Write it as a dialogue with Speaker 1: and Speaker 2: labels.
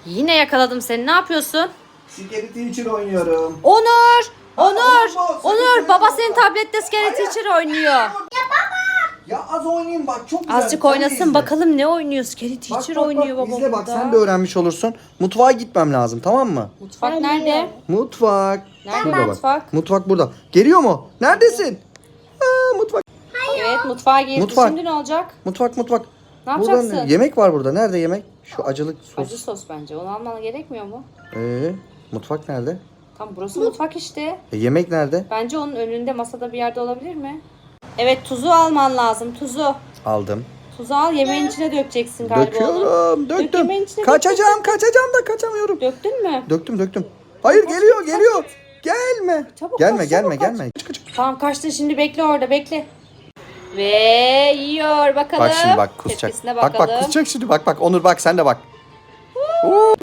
Speaker 1: Yine yakaladım seni. Ne yapıyorsun?
Speaker 2: Scary Teacher oynuyorum.
Speaker 1: Onur! Onur!
Speaker 2: Onur,
Speaker 1: Baba senin tablette Scary Teacher oynuyor.
Speaker 2: Ya az oynayayım bak, çok güzel.
Speaker 1: Azıcık
Speaker 2: Sen de
Speaker 1: oynasın
Speaker 2: izle.
Speaker 1: bakalım ne oynuyor. Scary
Speaker 2: Bak,
Speaker 1: Teacher
Speaker 2: bak,
Speaker 1: oynuyor
Speaker 2: bak,
Speaker 1: baba
Speaker 2: izle bak,
Speaker 1: burada.
Speaker 2: sen de öğrenmiş olursun. Mutfağa gitmem lazım, tamam mı?
Speaker 1: Mutfak nerede?
Speaker 2: Mutfak.
Speaker 1: Nerede
Speaker 2: Şurada bak.
Speaker 1: mutfak?
Speaker 2: Mutfak burada. Geliyor mu? Neredesin? Mutfak.
Speaker 1: Evet mutfağa girdi.
Speaker 2: Mutfak.
Speaker 1: Şimdi ne olacak?
Speaker 2: Mutfak.
Speaker 1: Ne
Speaker 2: Burada
Speaker 1: yapacaksın?
Speaker 2: yemek var burada. Nerede yemek? Şu acılık sos.
Speaker 1: Acı sos bence. Onu alman gerekmiyor mu?
Speaker 2: Mutfak nerede?
Speaker 1: Tam burası mutfak işte.
Speaker 2: Yemek nerede?
Speaker 1: Bence onun önünde masada bir yerde olabilir mi? Evet tuzu alman lazım. Tuzu.
Speaker 2: Aldım.
Speaker 1: Tuzu al yemeğin içine dökeceksin galiba onu.
Speaker 2: Döküyorum.
Speaker 1: Dök
Speaker 2: Döktüm.
Speaker 1: yemeğin içine,
Speaker 2: Kaçacağım da kaçamıyorum.
Speaker 1: Döktün mü?
Speaker 2: Döktüm. Hayır,
Speaker 1: Kaç,
Speaker 2: geliyor. Gelme.
Speaker 1: Çabuk
Speaker 2: Gelme.
Speaker 1: kaç, çabuk kaç.
Speaker 2: Kaç.
Speaker 1: Tamam kaçtın şimdi bekle orada bekle. Ve yiyor bakalım.
Speaker 2: Bak şimdi kusacak.
Speaker 1: Tepkisine
Speaker 2: Bak
Speaker 1: bakalım.
Speaker 2: kusacak şimdi bak Onur bak sen de bak.